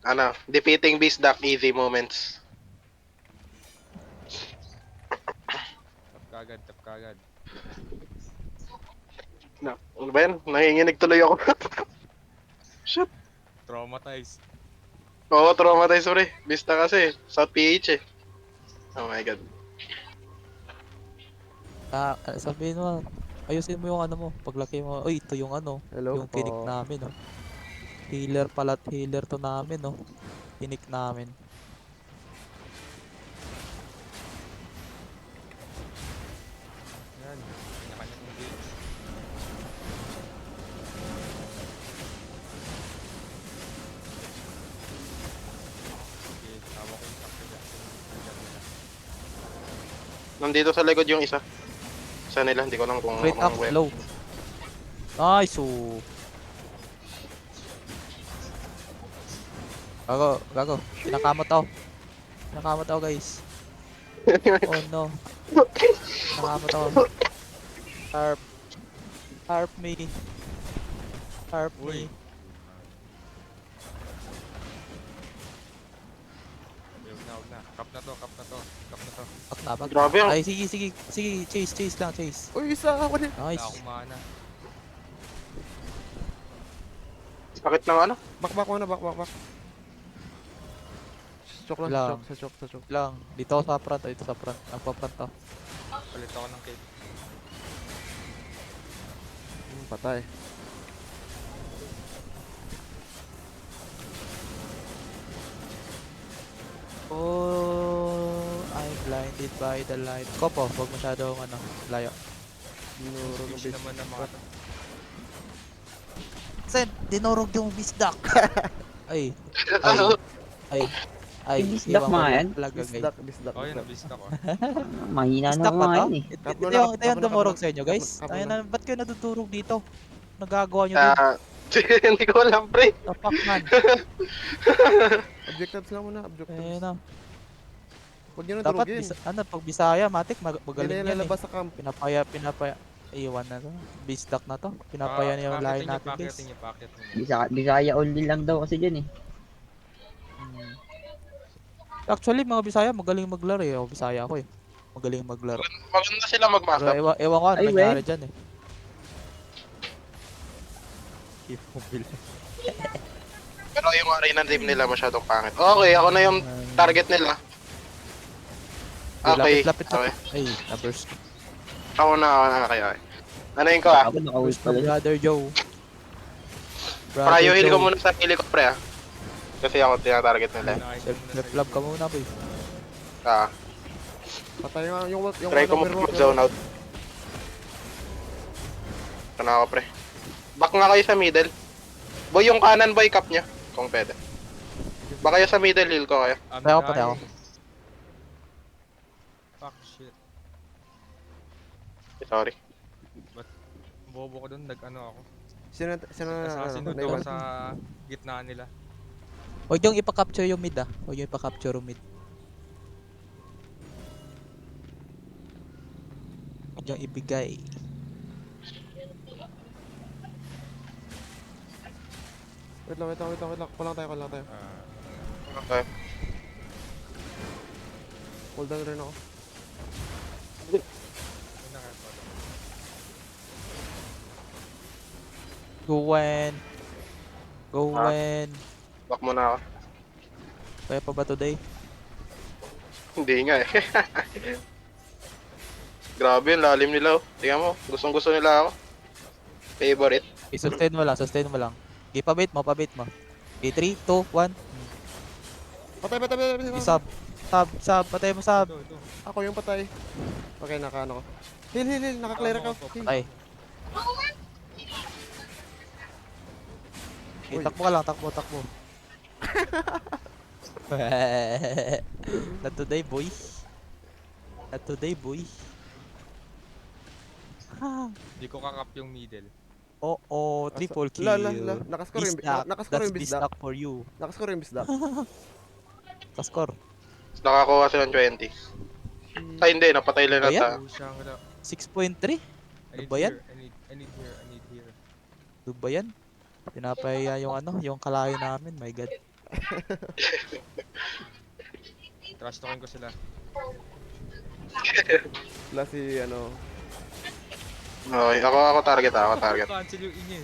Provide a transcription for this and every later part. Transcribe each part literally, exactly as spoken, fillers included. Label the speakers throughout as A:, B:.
A: Ano, defeating beast duck easy moments.
B: Tap kagad, tap kagad.
A: Na, ano ba yan? Nanginginig tuloy ako. Shit.
B: Traumatized.
A: Oo, traumatized pre. Beast na kasi. South P H eh. Oh my god.
C: Ah, ah, sabihin mo, ayusin mo yung ano mo. Paglaki mo, uy, ito yung ano,
D: Hello
C: yung tinik
D: po.
C: namin, no. Healer pala, healer to namin, no. Tinik namin.
B: Yan. Kanya-kanyang engage. Okay, tawa ko yung sakto dyan. Nandyan nila.
A: Nandito sa likod yung isa. Isa nila, hindi ko lang kung
C: Straight up,
A: anong web.
C: low. Nice, oh. Gago, gago. Pinakamot ako. Pinakamot ako, guys. Oh no. Pinakamot ako. Harp. Harp me. Harp
B: Uy.
C: me.
B: Okay, huwag na, huwag na. Cap na to, cap na to. Cap na to.
C: Back na, back
A: Grabe
C: na.
A: ang-
C: Ay, sige, sige. Sige, chase, chase lang, chase.
D: Uy, isa ako din.
B: Wala
C: Nice.
B: akong mana.
A: Sakit ng ano?
D: Back, back muna, back, back, back. Sa choke lang, sa
C: Lang.
D: choke, sa choke, sa choke.
C: Lang. Dito ako sa front, dito sa front. Nagpa-front ako.
B: Palit ako ng cake.
D: Hmm, patay.
C: Oh, I'm blinded by the light. Kopo, huwag masyadong ano, layo.
D: Dinurog ang
B: Fish
D: base.
B: naman ng mga to.
C: Sen, dinurog yung bisdak. Ay, ay,
A: Ano?
C: ay, ay.
E: Yung bisdak
C: iwan ko
E: mga
C: lang
E: yan?
C: talaga, guys.
D: Bisdak, bisdak.
B: Oh, yun,
D: bisdak.
B: nabist ako.
E: Mahina na
C: Bisdak ba
E: mga
C: to?
E: yan eh.
C: Ito,
D: Kap
C: ito
D: mo na,
C: yung,
D: kap-
C: ito yung
D: kap mo na,
C: dumurog
D: kap-
C: sa inyo,
D: kap-
C: guys.
D: kap mo
C: Ayun
D: na.
C: na, ba't kayo nadudurog dito? Nagagawa nyo dun?
A: Ah, hindi ko alam pre.
C: Tapak man.
D: Objectives lang muna, objectives.
C: Ayun na.
D: Huwag nyo nang
C: Dapat,
D: durugin.
C: bisa, ano, pag Bisaya, matik, mag
D: Hindi na
C: magaling
D: yan
C: yan eh.
D: lalabas sa camp.
C: Pinapaya, pinapaya. Iwan na to. Bisdak na to. Pinapaya na yung lahi
B: Pakitin niyo,
C: natin, guys.
B: pakitin niyo, pakitin niyo.
E: Bisa, Bisaya only lang daw kasi dyan eh.
C: Hmm. Actually, mga Bisaya, magaling maglaro eh. O, Bisaya ako eh. Magaling maglaro.
A: Maganda sila
C: Pero
A: mag-matchup.
C: ewan, ewan ko ano
E: Ay,
C: nangyari
E: we.
C: dyan eh. Keep mobile.
A: Pero yung arena team nila masyadong pangit. Okay, ako na yung target nila. Okay,
C: Lapit, lapit,
A: okay.
C: lapit. Ay, na-burst.
A: Ako na, ako na, okay, okay. Ano yun ko ah?
E: Ako naka-ult
C: Burst
E: pala.
C: na brother Joe.
A: Prayo heal ko
C: Joe.
A: muna sa sarili ko pre ah. Kasi ako tinatarget nila.
B: Nakain
C: Self
B: muna
C: left
B: sa
C: love ka muna, boy.
A: Ah,
D: Patay nga yung yung
A: try ko
D: ano, mirror,
A: mag-zone out. Ito na ako pre. Back nga kayo sa middle. Boy, yung kanan boy, cap niya. Kung pwede. Back kayo sa middle, heal ko kayo.
B: I'm
C: Patay ako, patay ako.
B: dying. Fuck shit.
A: Sorry.
B: Bobo ko dun, nag-ano ako.
D: Sino, sino,
B: Assassin
D: ano,
B: hood ako sa gitna nila.
C: Huwag yung ipa-capture yung mid ah. Huwag yung ipa-capture yung mid. Huwag yung ibigay.
D: Wait lang, wait lang, wait lang, wait lang. Kulang tayo, kulang tayo.
B: Ah,
A: Okay.
D: Hold down rin ako.
B: yun na kaya.
C: Gwen.
A: Ah.
C: Gwen.
A: Back muna ako.
C: Kaya pa ba today?
A: Hindi nga eh. Grabe yung lalim nila oh. Tingnan mo, gustong gusto nila ako. Favorite.
C: Okay, sustain mo lang, sustain mo lang. Okay, pabait mo, pabait mo. Okay, three, two, one.
D: Patay, patay, patay, patay.
C: Okay, sub. Sub, sub. Patay mo, sub.
B: Ito, ito.
D: Ako yung patay. Okay, naka ano ko. Heal, heal, heal. Naka-clear ako. Heal.
C: Patay. Okay,
D: Uy.
C: takbo ka lang, takbo, takbo. Not today, boy. Not today, boy.
B: Hindi ko kakap yung middle.
C: Oh, oh, triple kill.
D: La, la, la. Nakascore yung,
C: Bisdak.
D: nakascore
C: That's
D: yung bisdak.
C: bisdak for you.
D: Nakascore yung bisdak.
C: Kascore.
A: Nakakuha sila ng twenty. Ay hindi, napatay lang
C: Ba yan?
A: nata.
B: Oh, Shangri-La.
C: six point three?
B: I need
C: ba yan?
B: here, I need, I need here, I need here.
C: Ano ba yan? Pinapaya yung ano, yung kalahi namin. My God.
B: Trash talking ko sila.
D: Wala si ano.
A: Okay, ako ako target ah, ako target.
B: Cancel yung inye.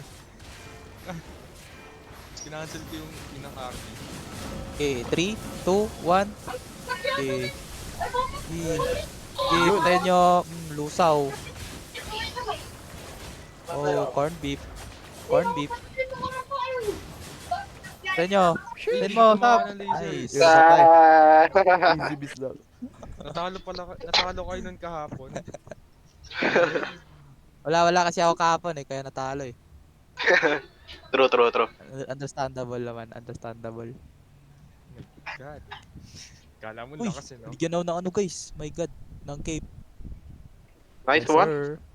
B: Kinancel ko yung inang army.
C: Okay, three, two, one. Okay. Okay. Okay, tayo nyo. Mm, lusaw. Oh, corn beef. Corn beef. Tayo nyo. Tayo mo, tap. Nice.
D: Yun, patay.
A: Ah,
D: Easy biz daw.
B: Natalo pala, ka- natalo kayo nun kahapon.
C: Wala, wala kasi ako kahapon eh, kaya natalo eh.
A: true, true, true.
C: Understandable naman, understandable.
B: God. Kala mo
C: Uy,
B: lakas eh, no?
C: bigyan ako ng ano guys. My god, ng cape.
A: Nice
C: Yes,
A: one.
C: sir.